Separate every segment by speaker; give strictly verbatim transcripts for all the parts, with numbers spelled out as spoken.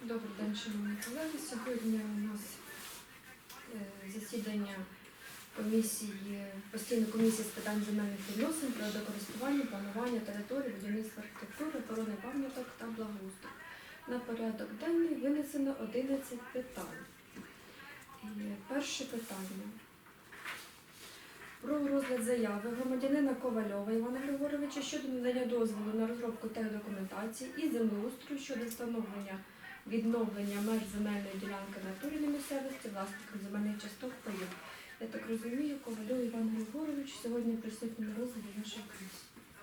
Speaker 1: Добрий день, шановні колеги. Сьогодні у нас е, засідання комісії, постійної комісії з питань земельних відносин, природокористування, планування території, будівництва архітектури, охорони пам'яток та благоустрою. На порядок денний винесено одинадцять питань. І перше питання. Про розгляд заяви громадянина Ковальова Івана Григоровича щодо надання дозволу на розробку техдокументації і землеустрою щодо встановлення відновлення меж земельної ділянки в натурі на місцевості власникам земельних часток паїв. Я так розумію, Ковальов Іван Григорович сьогодні присутній на розгляді нашої комісії.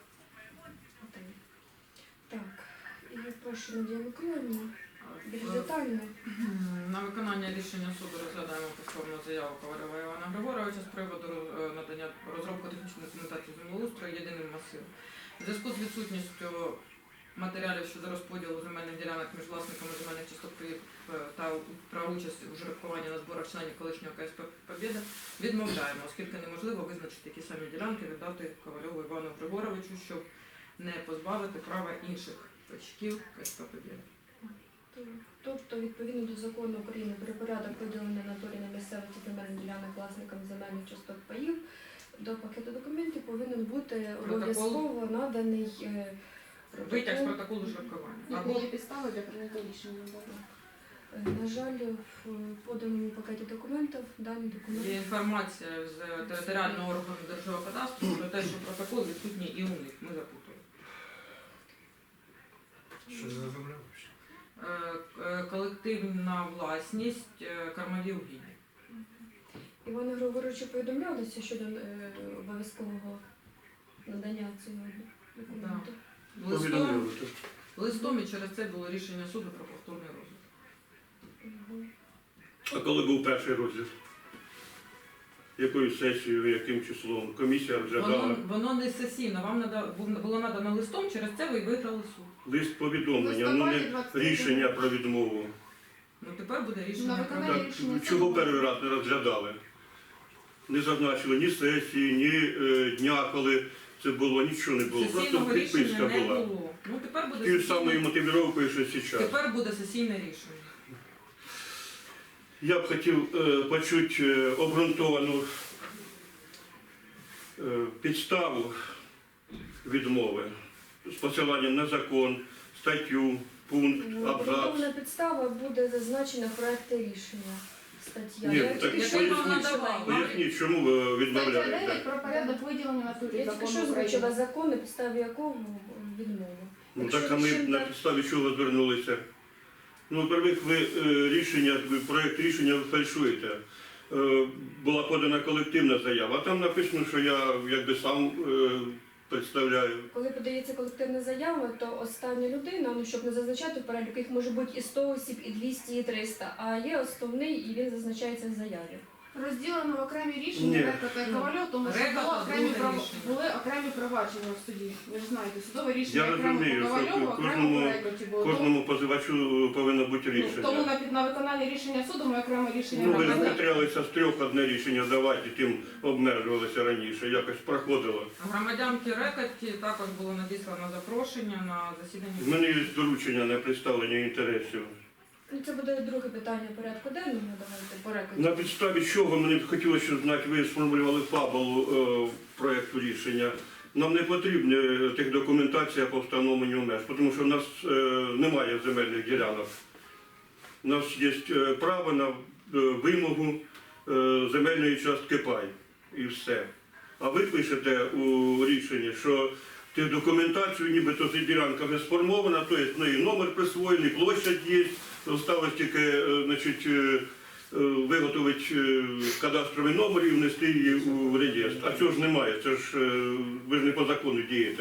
Speaker 1: Так, і я прошу Надію Миколаївну більш детально.
Speaker 2: На виконання рішення суду розглядаємо повторну заяву Ковальова Івана Григоровича з приводу надання розробки технічної документації землеустрою єдиним масивом. У зв'язку з відсутністю матеріалів щодо розподілу земельних ділянок між власниками земельних часток та про участь у жеребкуванні на зборах членів колишнього ка ес пе «Побєда» відмовляємо, оскільки неможливо визначити такі самі ділянки, віддати Ковальову Івану Григоровичу, щоб не позбавити права інших батьків ка ес пе «Побєда».
Speaker 1: Тобто, відповідно до закону України про порядок виділення на натурі на місцевості земельних ділянок власникам земельних часток паїв, до пакету документів повинен бути обов'язково наданий е,
Speaker 2: витяг з протоколу жеребкування.
Speaker 3: Або є підстави для прийняття рішення.
Speaker 1: Е, На жаль, в поданому пакеті документів дані документи.
Speaker 2: Є інформація з територіального органу Держгеокадастру про те, що протокол відсутній і у них. Ми запутали.
Speaker 4: Що за земля?
Speaker 2: Колективна власність Кармалів Гіні.
Speaker 1: Івана Григоровича повідомлялося щодо е, обов'язкового надання цього документу.
Speaker 2: Листом, листом і через це було рішення суду про повторний розгляд.
Speaker 1: Угу.
Speaker 4: А коли був перший розгляд? Якою сесією, яким числом? Комісія розглядала?
Speaker 2: Воно, воно не сесійно, вам нада, було надано листом, через це ви виграли суд.
Speaker 4: Лист повідомлення, ну не рішення про відмову.
Speaker 2: Ну тепер буде рішення
Speaker 3: На
Speaker 2: про
Speaker 3: виконання
Speaker 4: Так,
Speaker 3: рішення
Speaker 4: чого
Speaker 3: суду.
Speaker 4: перший раз не розглядали? Не зазначили ні сесії, ні е, дня, коли це було, нічого не було. Просто
Speaker 2: сесійного
Speaker 4: підписка
Speaker 2: рішення не
Speaker 4: була.
Speaker 2: було. Ну тепер буде
Speaker 4: Тією ж самою
Speaker 2: сесійне,
Speaker 4: мотивіровкою, що зараз.
Speaker 2: тепер буде сесійне рішення.
Speaker 4: Я б хотів е, почути е, обґрунтовану е, підставу відмови з посиланням на закон, статтю, пункт, абзац.
Speaker 1: Обґрунтована підстава буде зазначена в проекті рішення. Стаття.
Speaker 4: Ні,
Speaker 1: Я
Speaker 4: так
Speaker 1: тільки що
Speaker 2: поясніть,
Speaker 1: вам надавала.
Speaker 4: Поясніть, чому ви
Speaker 3: Стаття
Speaker 4: відмовляєте?
Speaker 3: дев'ять про порядок виділення натурі
Speaker 1: Я тільки що
Speaker 3: закону
Speaker 1: озвучила
Speaker 3: України.
Speaker 1: закон, на підставі якого відмова.
Speaker 4: Ну
Speaker 1: Якщо
Speaker 4: так, а ми
Speaker 1: рішення-
Speaker 4: на підставі чого звернулися? Ну, во-первых, ви е, рішення, ви проєкт рішення ви фальшуєте. Е, була подана колективна заява, а там написано, що я якби сам е, представляю.
Speaker 1: Коли подається колективна заява, то остання людина, ну щоб не зазначати в переліку, їх може бути і сто осіб, і двісті, і триста, а є основний, і він зазначається в заяві.
Speaker 3: Розділено в окремі рішення
Speaker 4: Ні.
Speaker 3: Река та Ковальов, тому що
Speaker 2: Река
Speaker 3: було
Speaker 2: та
Speaker 3: окремі
Speaker 2: друге
Speaker 3: прав...
Speaker 2: рішення.
Speaker 3: були окремі провадження в суді. Ви ж знаєте, судове рішення
Speaker 4: Я
Speaker 3: окремо
Speaker 4: розумію,
Speaker 3: по
Speaker 4: що
Speaker 3: Ковальову, окремо
Speaker 4: кожному-
Speaker 3: по Рекоті було. Тому-
Speaker 4: Кожному позивачу повинно бути
Speaker 3: ну, Тому
Speaker 4: рішення.
Speaker 3: на, на виконання рішення суду ми окреме рішення
Speaker 4: Ну, ви ж
Speaker 3: надали.
Speaker 4: витрялися з трьох одне рішення давати, тим обмежувалися раніше, якось проходило.
Speaker 2: Громадянки Рекоті також було надіслано запрошення на
Speaker 4: В
Speaker 2: засідання.
Speaker 4: мене є доручення на представлення інтересів.
Speaker 1: Ну, це буде друге питання порядку денного, давайте по рекорді.
Speaker 4: На підставі чого мені б хотілося, щоб знати, ви сформулювали фабулу е, проєкту рішення. Нам не потрібна техдокументація по встановленню меж, тому що в нас е, немає земельних ділянок. У нас є е, право на е, вимогу е, земельної частки пай і все. А ви пишете у рішенні, що техдокументацію, нібито ця ділянка вже сформована, тобто в неї номер присвоєний, площадь є, залишилось тільки е, значить, е, е, виготовити е, кадастровий номер і внести її у реєстр. А цього ж немає, це ж е, ви ж не по закону дієте.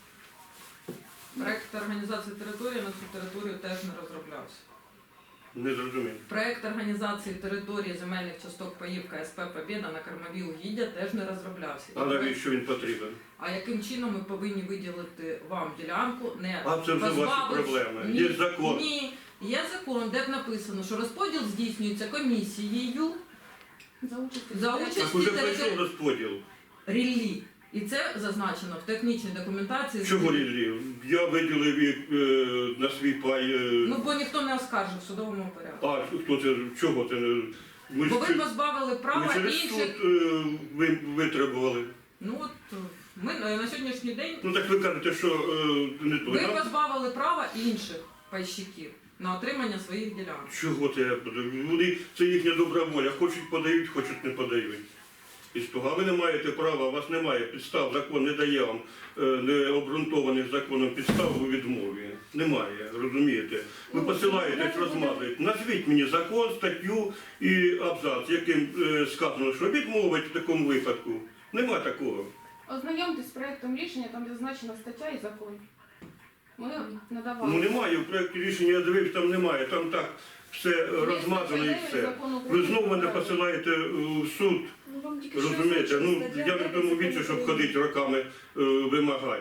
Speaker 2: Проект організації території на цю територію теж не розроблявся.
Speaker 4: Не зрозумів.
Speaker 2: Проект організації території земельних часток паїв ка ес пе «Побєда» на Кармаві Угіддя теж не розроблявся.
Speaker 4: А навіщо він потрібен?
Speaker 2: А яким чином ми повинні виділити вам ділянку, не
Speaker 4: А це вже ваші
Speaker 2: позбавивши-
Speaker 4: проблеми.
Speaker 2: Ні,
Speaker 4: Є закон.
Speaker 2: Ні, є закон, де б написано, що розподіл здійснюється комісією
Speaker 3: За участю.
Speaker 2: за участі
Speaker 4: Так уже
Speaker 2: території.
Speaker 4: пройшов розподіл.
Speaker 2: Ріллі. І це зазначено в технічній документації.
Speaker 4: Чого різні? Я виділив їх е, на свій пай. Е,
Speaker 2: Ну, бо ніхто не оскаржив в судовому порядку.
Speaker 4: а хто це? Чого це? не- Ми,
Speaker 2: Бо
Speaker 4: ж
Speaker 2: ви
Speaker 4: чи-
Speaker 2: позбавили
Speaker 4: ми
Speaker 2: права
Speaker 4: через суд
Speaker 2: інших.
Speaker 4: е, ви, витребували.
Speaker 2: Ну от е, ми е, на сьогоднішній день
Speaker 4: Ну так ви кажете, що е, не то.
Speaker 2: ви
Speaker 4: Нам-
Speaker 2: позбавили права інших пайщиків на отримання своїх ділянок.
Speaker 4: Чого це я буду? Вони, це їхня добра воля. Хочуть подають, хочуть не подають. І з того, а ви не маєте права, у вас немає підстав, закон не дає вам е, необґрунтованих законом підстав у відмові. Немає, розумієте? Ви
Speaker 1: Ну,
Speaker 4: посилаєтесь,
Speaker 1: давайте
Speaker 4: розмазуєте. Назвіть мені закон, статтю і абзац, яким е, сказано, що відмовить в такому випадку. Нема такого.
Speaker 3: Ознайомтесь з проектом рішення, там зазначена стаття і закон. Ми надавали.
Speaker 4: Ну немає, в проєкті рішення я дивився, там немає, там так все розмазано і все. Ви знову мене посилаєте в суд.
Speaker 1: Ну, вам тільки що
Speaker 4: Розумієте,
Speaker 1: озвучили,
Speaker 4: ну
Speaker 1: стаття
Speaker 4: я не в тому
Speaker 1: дев'ять
Speaker 4: віці, щоб
Speaker 1: закону
Speaker 4: ходити роками е, вимагати.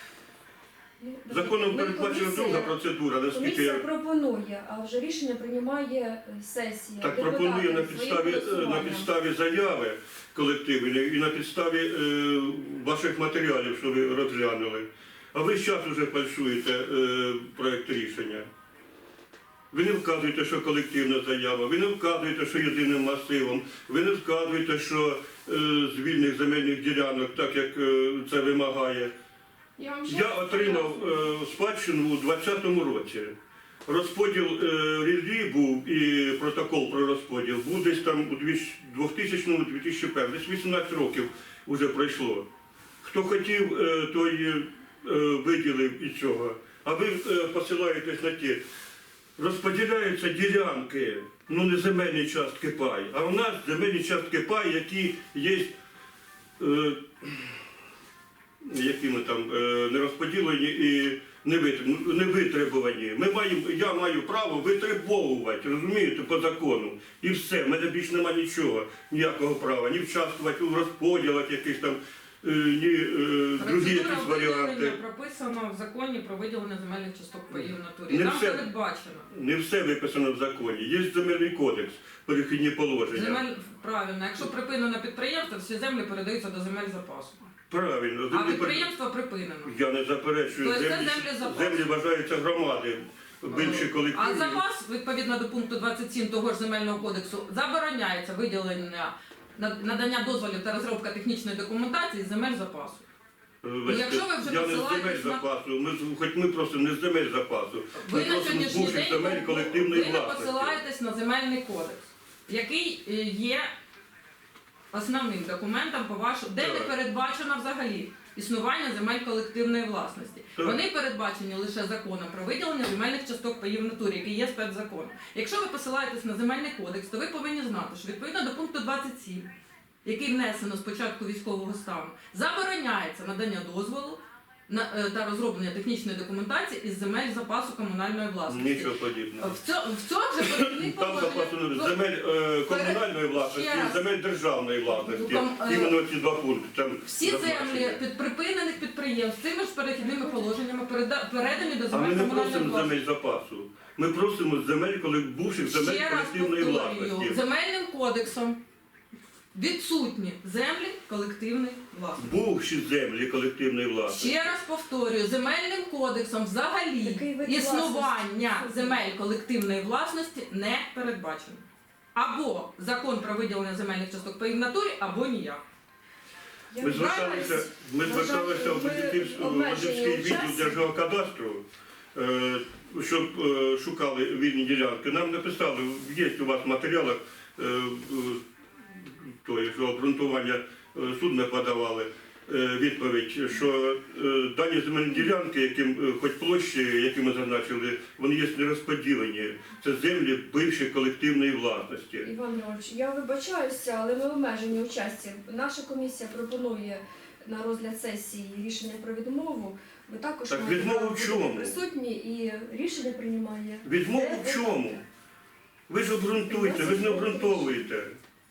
Speaker 1: Ну,
Speaker 4: Законом
Speaker 1: ми
Speaker 4: передбачена
Speaker 1: комісія-
Speaker 4: друга процедура, наскільки
Speaker 1: Комісія
Speaker 4: я
Speaker 1: пропонує, а вже рішення приймає е, сесія.
Speaker 4: так
Speaker 1: депутати
Speaker 4: пропоную на
Speaker 1: своїм
Speaker 4: підставі, е, на
Speaker 1: голосуванням.
Speaker 4: підставі заяви колективної і на підставі е, ваших матеріалів, що ви розглянули. А ви зараз вже фальшуєте е, проєкт рішення. Ви не вказуєте, що колективна заява, ви не вказуєте, що єдиним масивом, ви не вказуєте, що е, з вільних земельних ділянок, так як е, це вимагає.
Speaker 3: Я, вам ще
Speaker 4: Я
Speaker 3: раз
Speaker 4: отримав
Speaker 3: поясню.
Speaker 4: е, спадщину у двадцятому році. Розподіл е, ріллі був і протокол про розподіл був десь там у двохтисячному - дві тисячі першому, десь вісімнадцять років вже пройшло. Хто хотів, е, той е, виділив і цього. А ви е, посилаєтесь на ті. Розподіляються ділянки, ну не земельні частки пай, а у нас земельні частки пай, які є. Е, якими там е, не розподілені і не витр- не витребувані. Ми маємо, я маю право витребовувати, розумієте, по закону. І все, в мене більше немає нічого, ніякого права, ні вчаствувати у розподілах якихось там, е, ні е, другі
Speaker 2: Процедура
Speaker 4: якісь варіанти.
Speaker 2: виділення прописана в законі про виділення земельних часток паїв в натурі.
Speaker 4: Не
Speaker 2: Там
Speaker 4: все.
Speaker 2: передбачено.
Speaker 4: Не все виписано в законі. Є земельний кодекс, перехідні положення.
Speaker 2: Земель правильно. Якщо припинено підприємство, всі землі передаються до земель запасу.
Speaker 4: Правильно,
Speaker 2: А
Speaker 4: землі пере-
Speaker 2: підприємство припинено.
Speaker 4: Я не заперечую,
Speaker 2: Тобто це
Speaker 4: землі,
Speaker 2: землі запасу.
Speaker 4: землі вважаються громади, більші
Speaker 2: А
Speaker 4: колективні.
Speaker 2: запас, відповідно до пункту двадцять сім того ж земельного кодексу, забороняється виділення над- надання дозволів та розробка технічної документації з земель запасу.
Speaker 4: Вибачте,
Speaker 2: Ну, якщо ви вже
Speaker 4: я не з
Speaker 2: посилаєтесь
Speaker 4: земель
Speaker 2: на-
Speaker 4: запасу, ми, з- хоч ми просто не з земель запасу.
Speaker 2: Ви
Speaker 4: Ми
Speaker 2: на
Speaker 4: просимо з
Speaker 2: сьогоднішній
Speaker 4: бувших
Speaker 2: день
Speaker 4: земель колективної
Speaker 2: ви не
Speaker 4: власності.
Speaker 2: посилаєтесь на земельний кодекс, який е, є основним документом по вашому, де не
Speaker 4: Так.
Speaker 2: передбачено взагалі існування земель колективної власності.
Speaker 4: Так.
Speaker 2: Вони передбачені лише законом про виділення земельних часток паїв в натурі, який є спецзакон. Якщо ви посилаєтесь на земельний кодекс, то ви повинні знати, що відповідно до пункту двадцять сім, який внесено з початку військового стану, забороняється надання дозволу на е, та розроблення технічної документації із земель запасу комунальної власності.
Speaker 4: Нічого подібного.
Speaker 2: В цьому в цьому же перехідних
Speaker 4: Там запасу не
Speaker 2: положеннях-
Speaker 4: земель е, комунальної власності
Speaker 2: Ще раз.
Speaker 4: і земель державної власності.
Speaker 2: Ну, там, е,
Speaker 4: Іменно ці два пункти. Там
Speaker 2: Всі
Speaker 4: зазначені.
Speaker 2: землі під припинених підприємств цими ж перехідними положеннями переда- передані до
Speaker 4: А ми
Speaker 2: земель
Speaker 4: не
Speaker 2: комунальної
Speaker 4: просимо
Speaker 2: власності.
Speaker 4: земель запасу. Ми просимо земель, коли бувших земель
Speaker 2: Ще раз
Speaker 4: колективної
Speaker 2: повторюю,
Speaker 4: власності.
Speaker 2: земельним кодексом відсутні землі колективної власності.
Speaker 4: Бувші землі колективної власності.
Speaker 2: Ще раз повторюю, земельним кодексом взагалі
Speaker 1: Такий вид
Speaker 2: існування
Speaker 1: власності.
Speaker 2: земель колективної власності не передбачено. Або закон про виділення земельних часток паїв в натурі, або ніяк.
Speaker 1: Я
Speaker 4: Ми зверталися, ми
Speaker 1: вважаю,
Speaker 4: зверталися в
Speaker 1: ми
Speaker 4: Бадиківський
Speaker 1: обмежені у
Speaker 4: відділ
Speaker 1: часі.
Speaker 4: Держгеокадастру, е, щоб е, шукали вільні ділянки. Нам написали, є у вас в матеріалах, е, е, то, що обґрунтування е, суд не подавали е, відповідь, що е, дані земельні ділянки, яким е, хоч площі, які ми зазначили, вони є нерозподілені. Це землі бившої колективної власності.
Speaker 1: Іван Іванович, я вибачаюся, але ми обмежені у часі. Наша комісія пропонує на розгляд сесії рішення про відмову. Ви також
Speaker 4: Так
Speaker 1: маєте
Speaker 4: відмову
Speaker 1: право
Speaker 4: в
Speaker 1: бути
Speaker 4: чому?
Speaker 1: присутні і рішення приймає.
Speaker 4: Відмову
Speaker 1: Де-
Speaker 4: в чому? Ви ж обґрунтуєте, ви ж не обґрунтовуєте.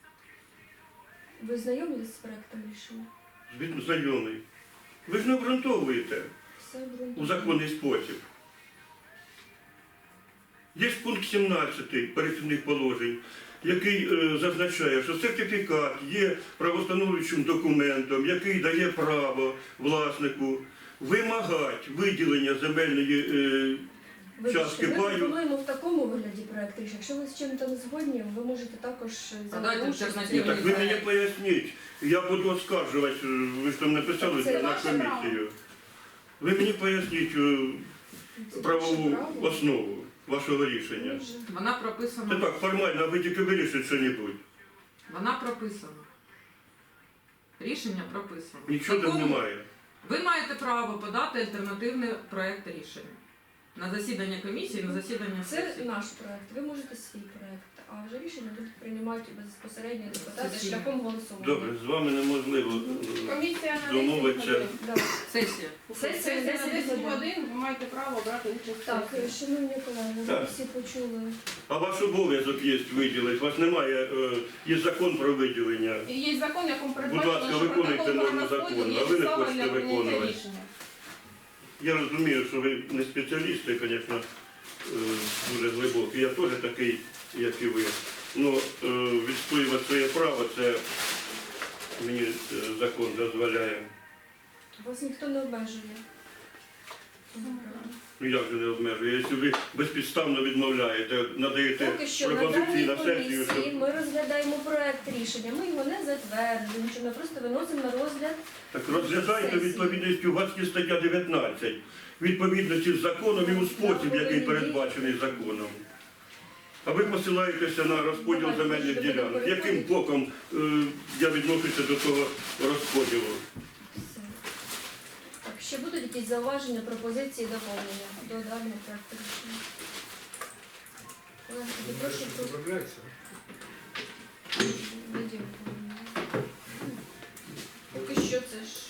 Speaker 1: Ви знайомі з проектом рішення?
Speaker 4: Звідно знайомий. Ви ж не обґрунтовуєте
Speaker 1: Все
Speaker 4: у
Speaker 1: обґрунтовано.
Speaker 4: законний спосіб. Є пункт сімнадцятий перехідних положень. який е, зазначає, що сертифікат є правостановлюючим документом, який дає право власнику вимагати виділення земельної е,
Speaker 1: Вибачте,
Speaker 4: частки
Speaker 1: ми
Speaker 4: паю.
Speaker 1: пропонуємо в такому вигляді проект рішення. Якщо ви з чим-то не згодні, ви можете також
Speaker 2: А дайте
Speaker 1: залишити.
Speaker 2: альтернативний
Speaker 4: Ні, так ви мені поясніть. Я буду оскаржувати, е, ви ж там написали
Speaker 1: Це
Speaker 4: це на
Speaker 3: ваше
Speaker 4: комісію. Ви мені поясніть е, правову основу вашого рішення.
Speaker 2: Вона
Speaker 4: Це
Speaker 2: прописана.
Speaker 4: так, формально, а ви тільки вирішите що-небудь.
Speaker 2: Вона прописана. Рішення прописано.
Speaker 4: Нічого там
Speaker 2: Закону-
Speaker 4: немає.
Speaker 2: Ви маєте право подати альтернативний проект рішення на засідання комісії, на засідання
Speaker 1: Це
Speaker 2: сесії.
Speaker 1: наш проект. Ви можете свій проект, а вже рішення будуть приймати безпосередньо депутати
Speaker 2: Сесійно.
Speaker 1: шляхом голосування.
Speaker 4: Добре, з вами неможливо е,
Speaker 3: Комісія на
Speaker 4: домовиться.
Speaker 3: десять годин.
Speaker 1: Да.
Speaker 2: Сесія.
Speaker 3: Сесія на десять годин, ви маєте право брати участь. в
Speaker 1: Так,
Speaker 3: сесії.
Speaker 1: шановні колеги, ви
Speaker 4: Так.
Speaker 1: всі почули.
Speaker 4: А ваш обов'язок є виділити. У вас немає, е, є закон про виділення.
Speaker 3: І є закон, якому
Speaker 4: Будь
Speaker 3: передбачено,
Speaker 4: ласка,
Speaker 3: що
Speaker 4: виконуйте
Speaker 3: протокол про
Speaker 4: норму
Speaker 3: розподіл
Speaker 4: закону,
Speaker 3: є
Speaker 4: а ви не
Speaker 3: підставою
Speaker 4: хочете
Speaker 3: для прийняття
Speaker 4: виконувати.
Speaker 3: рішення.
Speaker 4: Я розумію, що ви не спеціалісти, звісно, е, дуже глибокі. Я теж такий, як і ви. Ну, е, відстоювати своє право, це мені е, закон дозволяє.
Speaker 1: Вас ніхто не обмежує.
Speaker 4: Ну як же не обмежує? Якщо ви безпідставно відмовляєте, надаєте
Speaker 1: Поки що на
Speaker 4: пропозиції
Speaker 1: даній
Speaker 4: на сесію,
Speaker 1: комісії
Speaker 4: що
Speaker 1: ми розглядаємо проект рішення. Ми його не затверджуємо, що ми просто виносимо на розгляд.
Speaker 4: так розглядайте відповідністю, у вас є стаття дев'ятнадцять. Відповідності з законом і у спосіб, який передбачений законом. А ви посилаєтеся на розподіл земельних ділянок. Яким боком е, я відношуся до того розподілу?
Speaker 1: Все. Так, ще будуть якісь зауваження, пропозиції, доповнення до даного проекту рішення? Колеги, тоді прошу про
Speaker 5: Справляється.
Speaker 1: відео. Поки що це ж.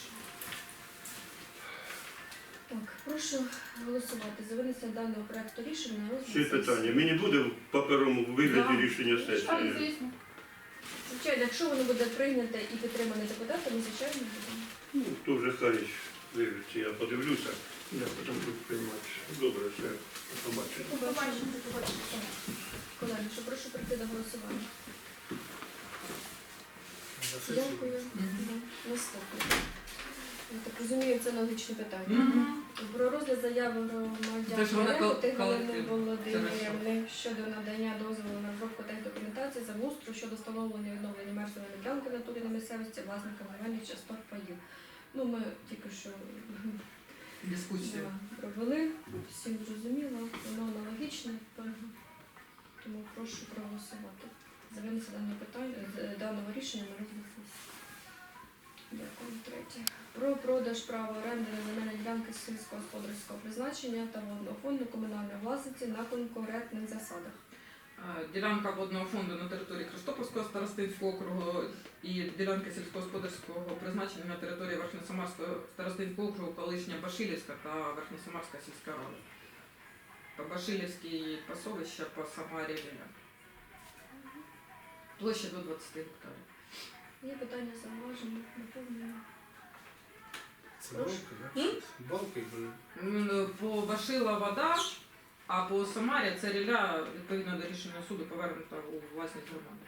Speaker 1: Так, прошу голосувати за винесення даного проекту рішення на розгляд
Speaker 4: Ще
Speaker 1: сесії.
Speaker 4: питання. Мені буде в паперовому вигляді
Speaker 1: Да.
Speaker 4: рішення
Speaker 3: Так,
Speaker 4: сесії?
Speaker 3: звісно.
Speaker 1: Звичайно, якщо воно буде прийняте і підтримане депутатами, звичайно, будемо.
Speaker 4: Ну, хто вже хай вивчиться, я подивлюся.
Speaker 5: Я потім буду приймати.
Speaker 4: Добре, все, побачимо.
Speaker 1: Побачимо. Так. Колеги, що прошу прийти до голосування.
Speaker 5: На сесію.
Speaker 1: Дякую.
Speaker 2: Мгм.
Speaker 1: Да. Наступне. Я так розумію, це логічне питання.
Speaker 2: Мгм.
Speaker 1: Про розгляд заяви
Speaker 2: Те, що вона
Speaker 1: громадян
Speaker 2: кол-
Speaker 1: Рехоти Галини
Speaker 2: колективна.
Speaker 1: Володимирівни щодо надання дозволу на розробку техдокументації за устрою щодо встановлення і відновлення меж земельної ділянки в натурі на місцевості власникам земельних часток паїв. Ну, ми тільки що
Speaker 2: Дискусія.
Speaker 1: да, провели, всім зрозуміло, воно аналогічне, тому прошу проголосувати за винесення даного питання, з- даного рішення на розгляд сесії. Дякую. Третє. Про продаж права оренди на земельні ділянки сільськогосподарського призначення та водного фонду комунальної власності на конкурентних засадах.
Speaker 2: Е, Ділянка водного фонду на території Христопольського старостинського округу і ділянки сільськогосподарського призначення на території Верхньосамарського старостинського округу, колишня Башилівська та Верхньосамарська сільська рада. По Башилівській пасовища, по Самарі Віля. Площа до двадцяти гектарів.
Speaker 1: Є питання, зауваження, доповнення.
Speaker 5: Це балки, так? Балки були.
Speaker 2: М, По Башила вода, а по Самарі це ріля, відповідно до рішення суду, повернута у власність громади.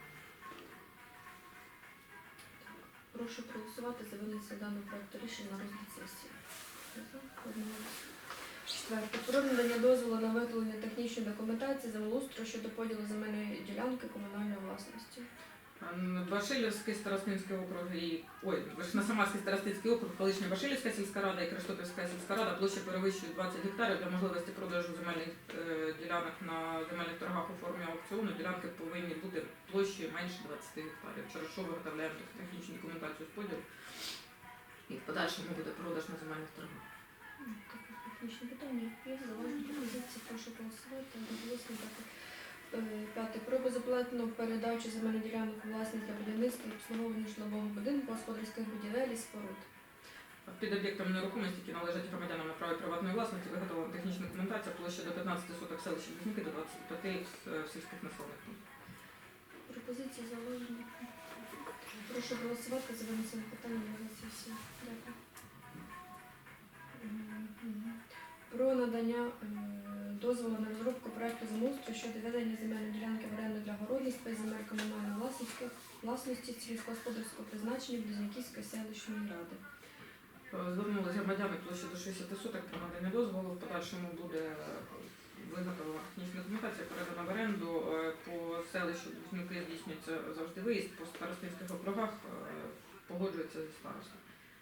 Speaker 1: Прошу проголосувати за винесення даного проекту рішення на розгляд сесії. Одноголосно. Четверте. Про надання дозволу на виготовлення технічної документації землеустрою щодо поділу земельної ділянки комунальної власності.
Speaker 2: М, Башилівський старостинський округ і ой, Верхньосамарський старостинський округ, колишня Башилівська сільська рада і Крестопільська сільська рада площа перевищує двадцять гектарів для можливості продажу земельних е, ділянок на земельних торгах у формі аукціону. Ділянки повинні бути площею менше двадцяти гектарів, через що виготовляємо технічну документацію з поділу. І в подальшому буде продаж на земельних торгах.
Speaker 1: Ну, таке технічне питання. Є зауваження пропозиції, прошу голосувати. Одноголосно дякую. Е, П'яте. Про безоплатну передачу земельних ділянок у власність для будівництва і обслуговування житлового будинку, господарських будівель і споруд.
Speaker 2: Під об'єктами нерухомості, які належать громадянам на праві приватної власності, виготовлена технічна документація площа до п'ятнадцяти соток селища Близнюки, до двадцяти п'яти в сільських населених пунктах.
Speaker 1: Пропозиції, зауваження. Прошу голосувати за винесення питання на сесію. Дякую. Мгм. Про надання е, дозволу дозволу на розробку проекту землеустрою щодо ведення земельної ділянки в оренду для городництва і земель комунальної власності, власності сільськогосподарського призначення Близнюківської селищної ради.
Speaker 2: Е, Звернулися громадяни площі до шістдесят соток про надання дозволу. В подальшому буде виготовлена технічна документація, передана в оренду. Е, По селищу Близнюки здійснюється завжди виїзд, по старостинських округах е, погоджується зі старостом.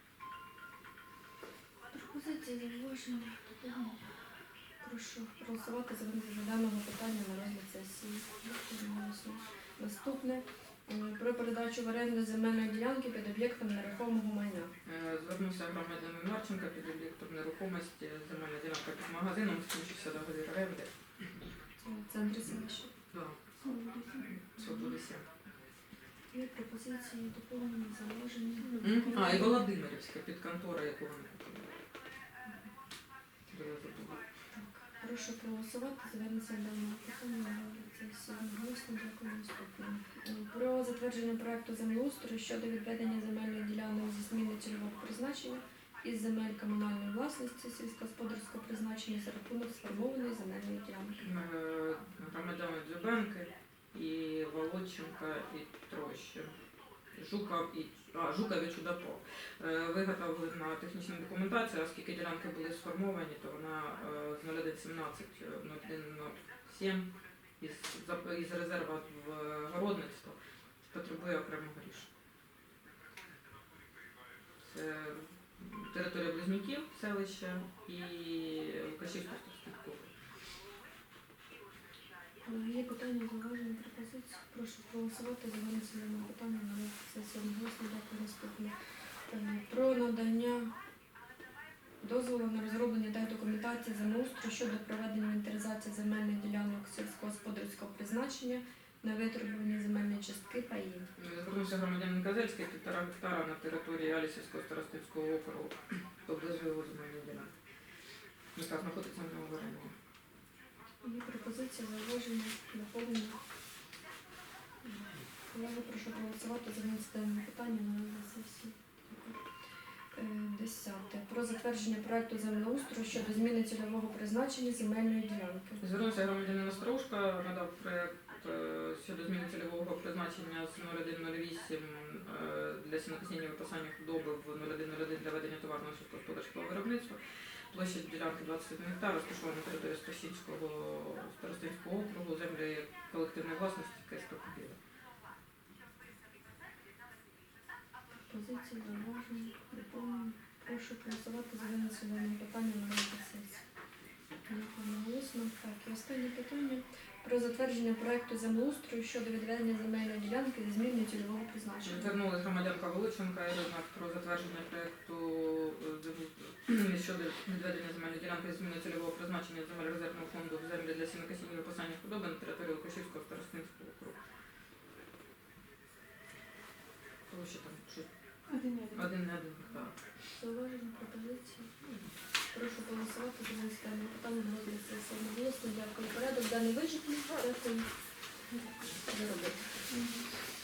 Speaker 1: Пропозиції зауваження. Прошу проголосувати за винесення даного питання на розгляд сесії. Одноголосно. Наступне е, про передачу в оренду земельної ділянки під об'єктом нерухомого майна.
Speaker 2: Е, Звернувся громадянин Марченка під об'єктом нерухомості, земельна ділянка під магазином, скінчився договір оренди.
Speaker 1: Це в центрі селища.
Speaker 2: Да. Свободи сім.
Speaker 1: Є пропозиції, доповнення, зауваження.
Speaker 2: А, і Володимирівська під контора, яку вони купили. Де я забула.
Speaker 1: Прошу проголосувати за винесення даного питання на розгляд сесії. Одноголосно. Дякую. Наступне. Про затвердження проекту землеустрою щодо відведення земельних ділянок зі зміни цільового призначення із земель комунальної власності сільськогосподарського призначення за рахунок сформованої земельної ділянки.
Speaker 2: Е, Громадяни Дзюбенки і Володченка і Трощин. Жуков і а, Жуков і Чудаков. Е, Виготовлена технічна документація, оскільки ділянки були сформовані, то вона е, з нуль один сімнадцять нуль один нуль сім із, за- із резерву в городництво потребує окремого рішення. Це територія Близнюків, селища і Лукашівського старостинського.
Speaker 1: Є питання, зауваження, пропозиції. Прошу проголосувати за винесення даного питання на розгляд сесії. Одноголосно. Дякую. Наступне. Е, Про надання дозволу на розроблення техдокументації землеустрою щодо проведення інвентаризації земельних ділянок сільськогосподарського призначення на витребувані земельні частки паїв.
Speaker 2: Звернувся громадянин Казельський, півтора гектара на території Алісівського старостинського округу, поблизу його земельної ділянки, яка знаходиться в нього в оренді.
Speaker 1: Є пропозиція, зауваження, доповнення. Колеги, прошу проголосувати за винесення питання на розгляд сесії. Е, Десяте. Про затвердження проекту землеустрою щодо зміни цільового призначення земельної ділянки.
Speaker 2: Звернувся громадянин Остроушка, надав проєкт е, щодо зміни цільового призначення з нуль один нуль вісім е, для сінокосіння випасання худоби в нуль один нуль один для ведення товарного сільськогосподарського виробництва. Площа ділянки двадцять один гектар, розташована на території Стосінського старостинського округу, землі колективної власності КСП «Кубіла».
Speaker 1: Позиції, зауваження, доповнення. Прошу проголосувати за винесення даного питання на розгляд сесії. Дякую. Наголосно. Так, і останнє питання. Про затвердження проекту землеустрою щодо відведення земельної ділянки зі зміною цільового призначення.
Speaker 2: Звернулася громадянка Володченка Ірина про затвердження проєкту е, щодо відведення земельної ділянки з зміни цільового призначення земель резервного фонду в землі для сінокосіння випасання худоби на території Лукашівського старостинського округу. Тому що там щось
Speaker 3: Один один.
Speaker 2: один не один гектар.
Speaker 1: Зауваження, пропозиції. Прошу голосувати за винесення питання на розгляд сесії. Одноголосно. Дякую. Порядок даний вичерпний. Дякую за роботу.